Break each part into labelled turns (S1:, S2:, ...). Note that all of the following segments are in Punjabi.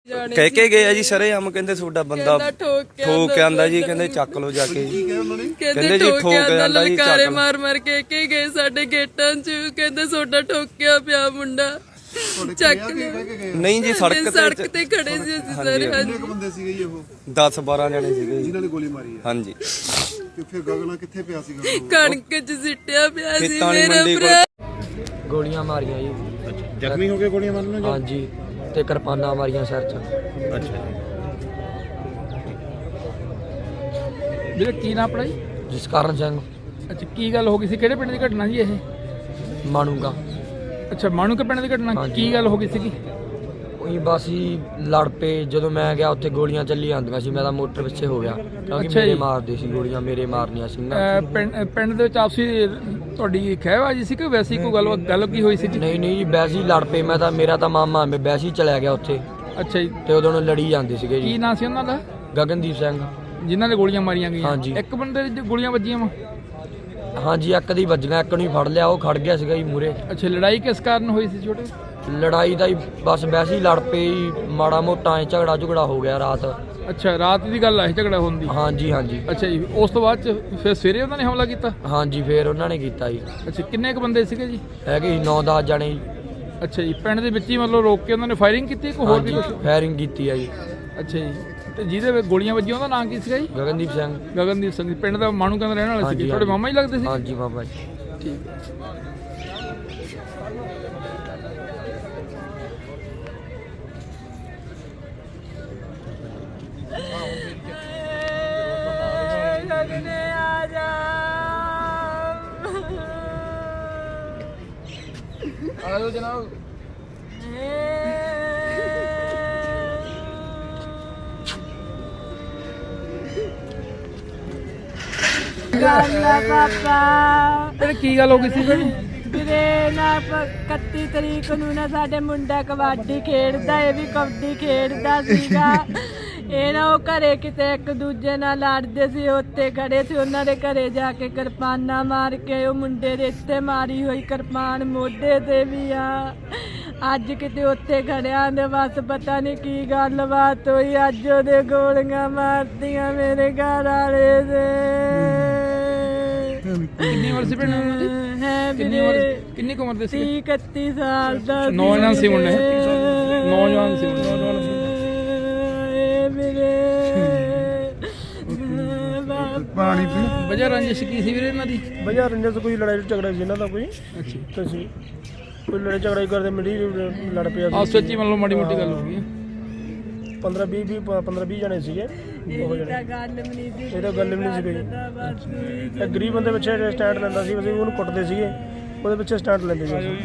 S1: ਕਹਿ ਕੇ ਗਏ ਆ ਜੀ ਸਰੇਆਮ, ਕਹਿੰਦੇ ਤੁਹਾਡਾ ਬੰਦਾ ਠੋਕ ਕੇ ਆਂਦਾ ਜੀ, ਕਹਿੰਦੇ ਚੱਕ ਲੋ ਜਾ ਕੇ।
S2: ਕਹਿੰਦੇ ਜੀ ਠੋਕ ਆਂਦਾ ਜੀ, ਲਲਕਾਰੇ ਮਾਰ ਮਾਰ ਕੇ ਗਏ ਸਾਡੇ ਗੇਟਾਂ 'ਚ, ਕਹਿੰਦੇ ਤੁਹਾਡਾ ਠੋਕਿਆ ਪਿਆ ਮੁੰਡਾ। ਚੱਕ
S1: ਨਹੀਂ ਜੀ, ਸੜਕ
S2: ਤੇ ਖੜੇ ਸੀ ਅਸੀਂ ਸਾਰੇ।
S3: ਕਿੰਨੇ ਕੁ ਬੰਦੇ ਸੀਗੇ ਜੀ ਉਹ?
S1: 10-12 ਜਣੇ ਸੀਗੇ
S3: ਜਿਨ੍ਹਾਂ ਨੇ ਗੋਲੀ ਮਾਰੀ ਹੈ।
S1: ਹਾਂਜੀ।
S3: ਤੇ ਫਿਰ ਗਗਨਾ ਕਿੱਥੇ ਪਿਆ ਸੀਗਾ?
S2: ਕਣਕ 'ਚ ਸਿੱਟਿਆ ਪਿਆ ਸੀ ਮੇਰਾ ਭਰਾ।
S4: ਗੋਲੀਆਂ ਮਾਰੀਆਂ ਜੀ।
S3: ਜ਼ਖਮੀ ਹੋ ਗਏ ਗੋਲੀਆਂ ਮਾਰਨ ਨਾਲ?
S4: ਹਾਂਜੀ, ਤੇ ਕਿਰਪਾਨਾਂ ਮਾਰੀਆਂ ਸਿਰ 'ਚ।
S3: ਅੱਛਾ
S5: ਵੀਰੇ ਕੀ ਨਾਮ ਆਪਣਾ ਜੀ?
S4: ਜਸਕਰਨ ਸਿੰਘ।
S5: ਅੱਛਾ, ਕੀ ਗੱਲ ਹੋ ਗਈ ਸੀ? ਕਿਹੜੇ ਪਿੰਡ ਦੀ ਘਟਨਾ ਜੀ ਇਹ?
S4: ਮਾਨੂਗਾ।
S5: ਅੱਛਾ, ਮਾਣੂਕੇ ਪਿੰਡ ਦੀ ਘਟਨਾ। ਕੀ ਗੱਲ ਹੋ ਗਈ ਸੀਗੀ?
S4: ਉਹੀ ਬਸ ਹੀ ਲੜ ਪਏ। ਜਦੋਂ ਮੈਂ ਗਿਆ ਉੱਥੇ ਗੋਲੀਆਂ ਚੱਲੀ ਜਾਂਦੀਆਂ ਸੀ, ਮੈਂ ਤਾਂ ਮੋਟਰ ਪਿੱਛੇ ਹੋ ਗਿਆ ਕਿਉਂਕਿ
S5: ਅੱਛਾ
S4: ਮੇਰੇ
S5: ਜੀ।
S4: ਮਾਰਦੇ ਸੀ ਗੋਲੀਆਂ, ਮੇਰੇ ਮਾਰਨੀਆਂ ਸੀ ਨਾ।
S5: ਪਿੰਡ ਦੇ ਵਿੱਚ ਆਪਸੀ ਤੁਹਾਡੀ ਖਹਿਬਾਜੀ ਸੀ ਕਿ ਵੈਸੀ ਕੋਈ ਗੱਲ ਕੀ ਹੋਈ ਸੀ ਜੀ?
S4: ਨਹੀਂ ਜੀ, ਵੈਸੇ ਹੀ ਲੜ ਪਏ। ਮੈਂ ਤਾਂ ਮੇਰਾ ਤਾਂ ਮਾਮਾ ਮੈਂ ਵੈਸੇ ਹੀ ਚਲਿਆ ਗਿਆ ਉੱਥੇ,
S5: ਅੱਛਾ ਜੀ।
S4: ਤੇ ਉਦੋਂ ਨੂੰ ਲੜੀ ਜਾਂਦੇ ਸੀਗੇ
S5: ਕੀ
S4: ਜੀ।
S5: ਨਾਂ ਸੀ ਉਹਨਾਂ ਦਾ?
S4: ਗਗਨਦੀਪ ਸਿੰਘ।
S5: ਜਿਨ੍ਹਾਂ ਨੇ ਗੋਲੀਆਂ ਮਾਰੀਆਂ ਗਈਆਂ?
S4: ਹਾਂਜੀ।
S5: ਇੱਕ ਬੰਦੇ ਦੇ ਗੋਲੀਆਂ ਵੱਜੀਆਂ ਵਾ?
S4: ਹਾਂਜੀ, ਇੱਕ ਦੀ ਵੱਜੀਆਂ, ਇੱਕ ਨੂੰ ਹੀ ਫੜ ਲਿਆ, ਉਹ ਖੜ ਗਿਆ ਸੀਗਾ ਜੀ ਮੂਰੇ।
S5: ਅੱਛਾ, ਲੜਾਈ ਕਿਸ ਕਾਰਨ ਹੋਈ ਸੀ ਛੋਟੇ?
S4: ਲੜਾਈ ਦਾ ਹੀ ਬਸ ਵੈਸੇ ਹੀ ਲੜ ਪਏ ਜੀ, ਮਾੜਾ ਮੋਟਾ ਐ ਝਗੜਾ ਹੋ ਗਿਆ ਰਾਤ।
S5: ਅੱਛਾ, ਰਾਤ ਦੀ ਗੱਲ ਆ ਇਹ ਝਗੜਾ ਹੋਣ ਦੀ?
S4: ਹਾਂਜੀ ਹਾਂਜੀ।
S5: ਅੱਛਾ ਜੀ, ਉਸ ਤੋਂ ਬਾਅਦ ਚ ਫਿਰ ਸਵੇਰੇ ਉਹਨਾਂ ਨੇ ਹਮਲਾ ਕੀਤਾ?
S4: ਹਾਂਜੀ, ਫੇਰ ਉਹਨਾਂ ਨੇ ਕੀਤਾ ਜੀ।
S5: ਅੱਛਾ, ਕਿੰਨੇ ਕੁ ਬੰਦੇ ਸੀਗੇ ਜੀ?
S4: ਹੈਗੇ ਸੀ 9-10 ਜਣੇ ਜੀ।
S5: ਅੱਛਾ ਜੀ, ਪਿੰਡ ਦੇ ਵਿੱਚ ਹੀ ਮਤਲਬ ਰੋਕ ਕੇ ਉਹਨਾਂ ਨੇ ਫਾਇਰਿੰਗ ਕੀਤੀ ਕਿ ਹੋਰ ਵੀ
S4: ਹਾਂਜੀ,
S5: ਕੁਝ?
S4: ਫਾਇਰਿੰਗ ਕੀਤੀ ਆ ਜੀ।
S5: ਅੱਛਾ ਜੀ, ਤੇ ਜਿਹਦੇ ਵਿੱਚ ਗੋਲੀਆਂ ਵੱਜੀਆਂ ਉਹਦਾ ਨਾਂ ਕੀ ਸੀਗਾ ਜੀ?
S4: ਗਗਨਦੀਪ ਸਿੰਘ।
S5: ਗਗਨਦੀਪ ਸਿੰਘ ਜੀ, ਪਿੰਡ ਦਾ ਮਾਣੂਕੇ ਦਾ ਰਹਿਣ ਵਾਲਾ ਸੀ।
S4: ਹਾਂਜੀ,
S5: ਤੁਹਾਡੇ ਮਾਮਾ ਹੀ ਲੱਗਦੇ ਸੀ?
S4: ਹਾਂਜੀ ਬਾਬਾ ਜੀ।
S5: ਠੀਕ ਹੈ। ਆਜੋ ਜਨਾਬ। ਇਹ ਕੀ ਗੱਲ ਹੋ ਗਈ ਸੀ ਭੈਣ?
S6: ਵੀਰੇ ਨਾ 31 ਤਰੀਕ ਨੂੰ ਨਾ ਸਾਡੇ ਮੁੰਡਾ ਕਬੱਡੀ ਖੇਡਦਾ, ਇਹ ਵੀ ਕਬੱਡੀ ਖੇਡਦਾ ਸੀਗਾ। ਇਹ ਨਾ ਉਹ ਘਰੇ ਕਿਤੇ ਇੱਕ ਦੂਜੇ ਨਾਲ ਲੜਦੇ ਸੀ, ਉੱਤੇ ਖੜੇ ਸੀ। ਉਹਨਾਂ ਦੇ ਘਰੇ ਜਾ ਕੇ ਕਿਰਪਾਨਾਂ ਮਾਰ ਕੇ ਉਹ ਮੁੰਡੇ ਦੇ ਇੱਥੇ ਮਾਰੀ ਹੋਈ ਕਿਰਪਾਨ ਮੋਢੇ ਤੇ ਵੀ ਆ। ਅੱਜ ਕਿਤੇ ਉੱਥੇ ਖੜਿਆਂ ਦੇ ਬਸ ਪਤਾ ਨਹੀਂ ਕੀ ਗੱਲਬਾਤ ਹੋਈ, ਅੱਜ ਉਹਦੇ ਗੋਲੀਆਂ ਮਾਰਤੀਆਂ ਮੇਰੇ ਘਰ ਵਾਲੇ ਦੇ।
S5: ਕਿੰਨੀ ਉਮਰ ਸੀ ਭੈਣ ਉਹਨਾਂ ਦੀ? ਕਿੰਨੀ ਉਮਰ ਦੇ ਸੀ?
S6: 30-31 ਸਾਲ ਦਾ
S5: ਨੌਜਵਾਨ ਸੀ ਮੁੰਡੇ? ਨੌਜਵਾਨ ਸੀ
S3: ਪਾਣੀ ਪੀ।
S5: ਵਜ੍ਹਾ ਰੰਜਿਸ਼ ਕੀ ਸੀ ਵੀਰੇ ਇਹਨਾਂ ਦੀ?
S7: ਵਜ੍ਹਾ ਰੰਜਿਸ਼ ਕੋਈ ਲੜਾਈ ਝਗੜਾ ਸੀ ਇਹਨਾਂ ਦਾ ਕੋਈ।
S5: ਅੱਛਾ,
S7: ਤੁਸੀਂ ਕੋਈ ਲੜਾਈ ਝਗੜਾ ਹੀ ਕਰਦੇ ਮਿਲੀ ਲੜ ਪਿਆ ਸੀ।
S5: ਆਪਸ ਵਿੱਚ ਹੀ ਮਤਲਬ ਮਾੜੀ ਮੋਟੀ ਗੱਲ ਹੋ ਗਈ।
S7: 15-20 ਜਣੇ ਸੀਗੇ। ਉਹ ਜਣੇ
S6: ਗੱਲ ਵੀ ਨਹੀਂ ਸੀ,
S7: ਇਹ ਤਾਂ ਗੱਲ ਵੀ ਨਹੀਂ ਸੀ ਕੋਈ। ਇਹ ਗਰੀਬ ਬੰਦੇ ਪਿੱਛੇ ਸਟੈਂਡ ਲੈਂਦਾ ਸੀ, ਅਸੀਂ ਉਹਨੂੰ ਕੁੱਟਦੇ ਸੀਗੇ, ਉਹਦੇ ਪਿੱਛੇ ਸਟੈਂਡ ਲੈਂਦੇ ਸੀ।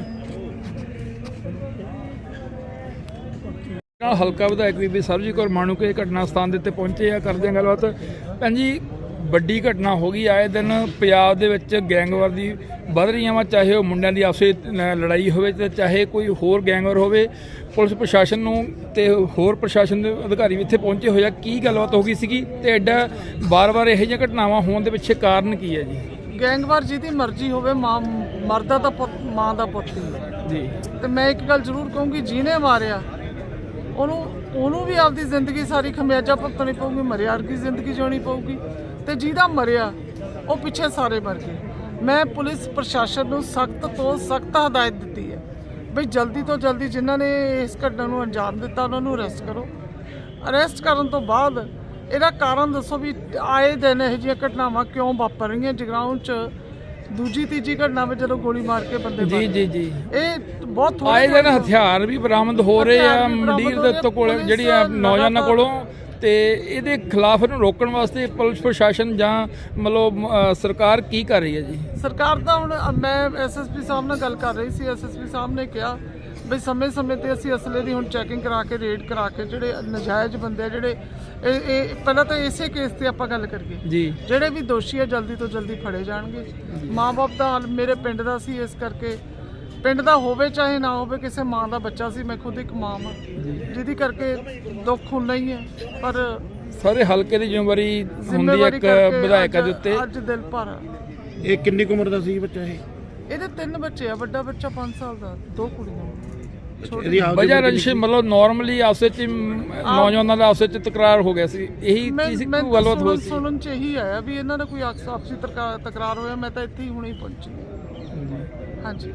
S5: ਨਾਲ ਹਲਕਾ ਵਿਧਾਇਕ ਬੀਬੀ ਸਰਬਜੀਤ ਕੌਰ ਮਾਣੂਕੇ ਘਟਨਾ ਸਥਾਨ ਦੇ ਉੱਤੇ ਪਹੁੰਚੇ ਆ, ਕਰਦੇ ਆ ਗੱਲਬਾਤ। ਭੈਣ ਜੀ, ਵੱਡੀ ਘਟਨਾ ਹੋ ਗਈ। ਆਏ ਦਿਨ ਪੰਜਾਬ ਦੇ ਵਿੱਚ ਗੈਂਗਵਾਰ ਦੀ ਵੱਧ ਰਹੀਆਂ ਵਾ, ਚਾਹੇ ਉਹ ਮੁੰਡਿਆਂ ਦੀ ਆਪਸੇ ਲੜਾਈ ਹੋਵੇ ਤੇ ਚਾਹੇ ਕੋਈ ਹੋਰ ਗੈਂਗਵਾਰ ਹੋਵੇ। ਪੁਲਿਸ ਪ੍ਰਸ਼ਾਸਨ ਨੂੰ ਤੇ ਹੋਰ ਪ੍ਰਸ਼ਾਸਨ ਦੇ ਅਧਿਕਾਰੀ ਵੀ ਇੱਥੇ ਪਹੁੰਚੇ ਹੋਏ ਆ। ਕੀ ਗੱਲਬਾਤ ਹੋ ਗਈ ਸੀਗੀ ਤੇ ਐਡਾ ਵਾਰ-ਵਾਰ ਇਹੋ ਜਿਹੀਆਂ ਘਟਨਾਵਾਂ ਹੋਣ ਦੇ ਪਿੱਛੇ ਕਾਰਨ ਕੀ ਹੈ ਜੀ?
S8: ਗੈਂਗਵਾਰ ਜਿਹਦੀ ਮਰਜ਼ੀ ਹੋਵੇ, ਮਾਂ ਮਰਦਾ ਤਾਂ ਪੁੱਤ ਮਾਂ ਦਾ ਪੁੱਤ ਹੀ ਹੈ
S5: ਜੀ।
S8: ਤੇ ਮੈਂ ਇੱਕ ਗੱਲ ਜ਼ਰੂਰ ਕਹੂੰਗੀ, ਜਿਹਨੇ ਮਾਰਿਆ ਉਹਨੂੰ ਵੀ ਆਪਦੀ ਜ਼ਿੰਦਗੀ ਸਾਰੀ ਖਮਿਆਜਾ ਭੁਗਤਣੀ ਪਊਗੀ, ਮਰਿਆ ਵਰਗੀ ਜ਼ਿੰਦਗੀ ਜਿਉਣੀ ਪਊਗੀ। ਤੇ ਜਿਹਦਾ ਮਰਿਆ ਉਹ ਪਿੱਛੇ ਸਾਰੇ ਮਰ ਗਏ। ਮੈਂ ਪੁਲਿਸ ਪ੍ਰਸ਼ਾਸਨ ਨੂੰ ਸਖਤ ਤੋਂ ਸਖਤ ਹਦਾਇਤ ਦਿੱਤੀ ਹੈ ਬਈ ਜਲਦੀ ਤੋਂ ਜਲਦੀ ਜਿਨ੍ਹਾਂ ਨੇ ਇਸ ਘਟਨਾ ਨੂੰ ਅੰਜਾਮ ਦਿੱਤਾ ਉਹਨਾਂ ਨੂੰ ਅਰੈਸਟ ਕਰੋ। ਅਰੈਸਟ ਕਰਨ ਤੋਂ ਬਾਅਦ ਇਹਦਾ ਕਾਰਨ ਦੱਸੋ ਵੀ ਆਏ ਦਿਨ ਇਹੋ ਜਿਹੀਆਂ ਘਟਨਾਵਾਂ ਕਿਉਂ ਵਾਪਰ ਰਹੀਆਂ। ਜਗਰਾਉਂ 'ਚ ਦੂਜੀ ਤੀਜੀ ਘਟਨਾ ਵਿੱਚ ਜਦੋਂ ਗੋਲੀ ਮਾਰ ਕੇ ਬੰਦੇ
S5: ਜੀ ਜੀ ਜੀ,
S8: ਇਹ ਬਹੁਤ
S5: ਆਏ ਦਿਨ ਹਥਿਆਰ ਵੀ ਬਰਾਮਦ ਹੋ ਰਹੇ ਆ ਮੰਡੀਰ ਦੇ ਕੋਲ, ਜਿਹੜੀ ਆ ਨੌਜਵਾਨਾਂ ਕੋਲੋਂ। ਤੇ ਇਹਦੇ ਖਿਲਾਫ ਇਹਨੂੰ ਰੋਕਣ ਵਾਸਤੇ ਪੁਲਿਸ ਪ੍ਰਸ਼ਾਸਨ ਜਾਂ ਮਤਲਬ ਸਰਕਾਰ ਕੀ ਕਰ ਰਹੀ ਹੈ ਜੀ?
S8: ਸਰਕਾਰ ਤਾਂ ਹੁਣ ਮੈਂ ਐਸਐਸਪੀ ਸਾਹਿਬ ਨਾਲ ਗੱਲ ਕਰ ਰਹੀ ਸੀ। ਐਸਐਸਪੀ ਸਾਹਿਬ ਨੇ ਕਿਹਾ ਬਈ ਸਮੇਂ-ਸਮੇਂ ਤੇ ਅਸੀਂ ਅਸਲੇ ਦੀ ਹੁਣ ਚੈਕਿੰਗ ਕਰਾ ਕੇ ਰੇਡ ਕਰਾ ਕੇ ਜਿਹੜੇ ਨਜਾਇਜ਼ ਬੰਦੇ ਆ, ਜਿਹੜੇ ਇਹ ਪਹਿਲਾਂ ਤਾਂ ਇਸੇ ਕੇਸ ਤੇ ਆਪਾਂ ਗੱਲ ਕਰੀਏ
S5: ਜੀ,
S8: ਜਿਹੜੇ ਵੀ ਦੋਸ਼ੀ ਆ ਜਲਦੀ ਤੋਂ ਜਲਦੀ ਫੜੇ ਜਾਣਗੇ। ਮਾਂ-ਬਾਪ ਦਾ ਹਾਲ ਮੇਰੇ ਪਿੰਡ ਦਾ ਸੀ, ਇਸ ਕਰਕੇ ਪਿੰਡ ਦਾ ਹੋਵੇ ਚਾਹੇ ਨਾ ਹੋਵੇ, ਕਿਸੇ ਮਾਂ ਦਾ ਬੱਚਾ ਸੀ। ਮੈਂ ਖੁਦ ਇੱਕ ਮਾਂ ਹਾਂ, ਜਿਹਦੀ ਕਰਕੇ ਦੁੱਖ ਹੁੰਦਾ ਹੀ ਹੈ, ਪਰ
S5: ਸਾਰੇ ਹਲਕੇ ਦੀ ਜ਼ਿੰਮੇਵਾਰੀ ਹੁੰਦੀ ਹੈ ਇੱਕ ਵਿਧਾਇਕਾਂ ਦੇ ਉੱਤੇ।
S8: ਅੱਜ ਦਿਲ ਭਰ।
S3: ਇਹ ਕਿੰਨੀ ਕੁ ਉਮਰ ਦਾ ਸੀ ਬੱਚਾ ਇਹ?
S8: ਇਹਦੇ 3 ਬੱਚੇ ਆ, ਵੱਡਾ ਬੱਚਾ 5 ਸਾਲ ਦਾ, 2 ਕੁੜੀਆਂ।
S3: ਇਹਦੀ ਆਪਦੀ
S5: ਵਜ੍ਹਾ ਰੰਜਿਸ਼ ਮਤਲਬ ਨਾਰਮਲੀ ਆਪਸ ਵਿੱਚ ਹੀ, ਨੌਜਵਾਨਾਂ ਦਾ ਆਪਸ ਵਿੱਚ ਤਕਰਾਰ ਹੋ ਗਿਆ ਸੀ, ਇਹੀ ਚੀਜ਼
S8: ਮੈਂ
S5: ਕੋਈ ਗੱਲਬਾਤ ਹੋਈ ਸੀ?
S8: ਸੁਣਨ ਚ ਇਹੀ ਆਇਆ ਵੀ ਇਹਨਾਂ ਦਾ ਕੋਈ ਆਪਸੀ ਤਕਰਾਰ ਹੋਇਆ। ਮੈਂ ਤਾਂ ਇੱਥੇ ਹੀ ਹੁਣੇ ਪਹੁੰਚੀ। ਹਾਂਜੀ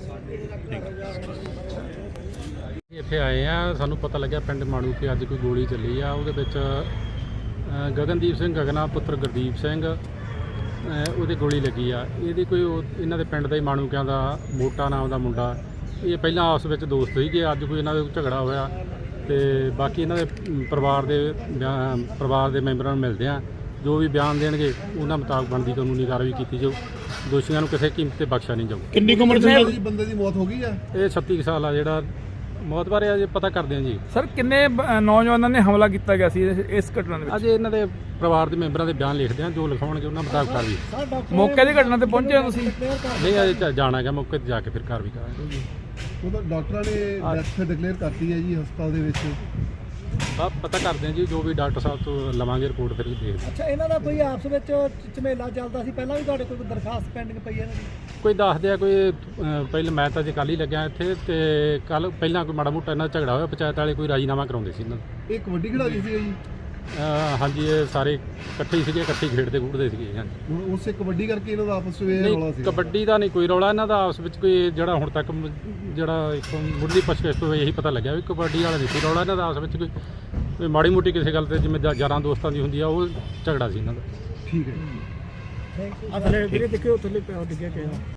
S9: ਇੱਥੇ ਆਏ ਆ, ਸਾਨੂੰ ਪਤਾ ਲੱਗਿਆ ਪਿੰਡ ਮਾਣੂਕੇ ਅੱਜ ਕੋਈ ਗੋਲੀ ਚੱਲੀ ਆ, ਉਹਦੇ ਵਿੱਚ ਗਗਨਦੀਪ ਸਿੰਘ ਗਗਨਾ ਪੁੱਤਰ ਗੁਰਦੀਪ ਸਿੰਘ ਉਹਦੇ ਗੋਲੀ ਲੱਗੀ ਆ। ਇਹਦੀ ਕੋਈ ਇਹਨਾਂ ਦੇ ਪਿੰਡ ਦਾ ਹੀ ਮਾਣੂਕਿਆਂ ਦਾ ਮੋਟਾ ਨਾਮ ਦਾ ਮੁੰਡਾ, ਇਹ ਪਹਿਲਾਂ ਆਪਸ ਵਿੱਚ ਦੋਸਤ ਸੀਗੇ, ਅੱਜ ਕੋਈ ਇਹਨਾਂ ਦੇ ਝਗੜਾ ਹੋਇਆ ਤੇ ਬਾਕੀ ਇਹਨਾਂ ਦੇ ਪਰਿਵਾਰ ਦੇ ਮੈਂਬਰਾਂ ਨੂੰ ਮਿਲਦੇ ਆ, ਜੋ ਵੀ ਬਿਆਨ ਦੇਣਗੇ ਉਹਨਾਂ ਮੁਤਾਬਕ ਬਣਦੀ ਕਾਨੂੰਨੀ ਕਾਰਵਾਈ ਕੀਤੀ ਜਾਊ। ਦੋਸ਼ੀਆਂ ਨੂੰ ਕਿਸੇ ਕੀਮਤ ਤੇ ਬਖਸ਼ਿਆ ਨਹੀਂ ਜਾਊ।
S3: ਕਿੰਨੀ ਉਮਰ ਸੀ ਬੰਦੇ ਦੀ ਮੌਤ ਹੋ ਗਈ ਆ?
S9: ਇਹ 36 ਸਾਲ ਆ, ਜਿਹੜਾ ਮੌਤ ਬਾਰੇ ਅਜੇ ਪਤਾ ਕਰਦੇ ਆ ਜੀ।
S5: ਸਰ ਕਿੰਨੇ ਨੌਜਵਾਨਾਂ ਨੇ ਹਮਲਾ ਕੀਤਾ ਗਿਆ ਸੀ ਇਸ ਘਟਨਾ ਦੇ ਵਿੱਚ?
S9: ਅੱਜ ਇਹਨਾਂ ਦੇ ਪਰਿਵਾਰ ਦੇ ਮੈਂਬਰਾਂ ਦੇ ਬਿਆਨ ਲਿਖਦੇ ਆ, ਜੋ ਲਿਖਾਉਣਗੇ ਉਹਨਾਂ ਮੁਤਾਬਕ ਕਾਰਵਾਈ।
S5: ਮੌਕੇ ਦੀ ਘਟਨਾ ਤੇ ਪਹੁੰਚੇ ਹੋ ਤੁਸੀਂ?
S9: ਨਹੀਂ ਅਜੇ ਜਾਣਾ ਹੈਗਾ, ਮੌਕੇ ਤੇ ਜਾ ਕੇ ਫਿਰ ਕਾਰਵਾਈ ਕਰਾਂਗੇ।
S3: ਉਹਦਾ ਡਾਕਟਰਾਂ ਨੇ ਡੈਥ ਡਿਕਲੇਅਰ ਕਰਤੀ ਹੈ ਜੀ ਹਸਪਤਾਲ ਦੇ ਵਿੱਚ।
S9: ਬਸ ਪਤਾ ਕਰਦੇ ਆ ਜੀ, ਜੋ ਵੀ ਡਾਕਟਰ ਸਾਹਿਬ ਤੋਂ ਲਵਾਂਗੇ ਰਿਪੋਰਟ ਫਿਰ ਦੇਖਦੇ ਹਾਂ।
S10: ਅੱਛਾ, ਇਹਨਾਂ ਦਾ ਕੋਈ ਆਪਸ ਵਿੱਚ ਝਮੇਲਾ ਚੱਲਦਾ ਸੀ ਪਹਿਲਾਂ ਵੀ? ਤੁਹਾਡੇ ਕੋਲ ਦਰਖਾਸਤ ਪੈਂਡਿੰਗ ਪਈ ਹੈ ਇਹਨਾਂ ਦੀ?
S9: ਕੋਈ ਦੱਸਦੇ ਆ ਕੋਈ ਪਹਿਲਾਂ ਮੈਂ ਤਾਂ ਜੇ ਕੱਲ੍ਹ ਹੀ ਲੱਗਿਆ ਇੱਥੇ, ਤੇ ਕੱਲ ਪਹਿਲਾਂ ਕੋਈ ਮਾੜਾ ਮੋਟਾ ਇਹਨਾਂ ਦਾ ਝਗੜਾ ਹੋਇਆ, ਪੰਚਾਇਤ ਵਾਲੇ ਕੋਈ ਰਾਜੀਨਾਮਾ ਕਰਾਉਂਦੇ ਸੀ ਇਹਨਾਂ ਦਾ।
S3: ਇਹ ਕਬੱਡੀ ਖਿਡਾਰੀ ਸੀ ਜੀ?
S9: ਹਾਂਜੀ, ਇਹ ਸਾਰੇ ਇਕੱਠੇ ਹੀ ਸੀਗੇ, ਇਕੱਠੇ ਹੀ ਖੇਡਦੇ ਖੂਡਦੇ ਸੀਗੇ। ਹਾਂਜੀ,
S3: ਹੁਣ ਉਸੇ ਕਬੱਡੀ ਕਰਕੇ ਇਹਨਾਂ ਦਾ ਆਪਸ ਵਿੱਚ ਰੌਲਾ ਸੀ?
S9: ਕਬੱਡੀ ਦਾ ਨਹੀਂ ਕੋਈ ਰੌਲਾ ਇਹਨਾਂ ਦਾ ਆਪਸ ਵਿੱਚ, ਕੋਈ ਜਿਹੜਾ ਹੁਣ ਤੱਕ ਜਿਹੜਾ ਇੱਕ ਮੁੱਢਲੀ ਪੁੱਛਗਿੱਛ ਤੋਂ ਇਹੀ ਪਤਾ ਲੱਗਿਆ ਵੀ ਕਬੱਡੀ ਵਾਲਾ ਨਹੀਂ ਸੀ ਰੌਲਾ ਇਹਨਾਂ ਦਾ, ਆਪਸ ਵਿੱਚ ਕੋਈ ਮਾੜੀ ਮੋਟੀ ਕਿਸੇ ਗੱਲ ਤੇ ਜਿਵੇਂ ਯਾਰਾਂ ਦੋਸਤਾਂ ਦੀ ਹੁੰਦੀ ਆ, ਉਹ ਝਗੜਾ ਸੀ ਇਹਨਾਂ ਦਾ।
S3: ਠੀਕ ਹੈ ਜੀ।
S10: ਥੱਲੇ ਵੀਰੇ ਦੇਖਿਓ, ਥੱਲੇ ਪਿਆ ਡਿੱਗਿਆ ਕਿਹਾ।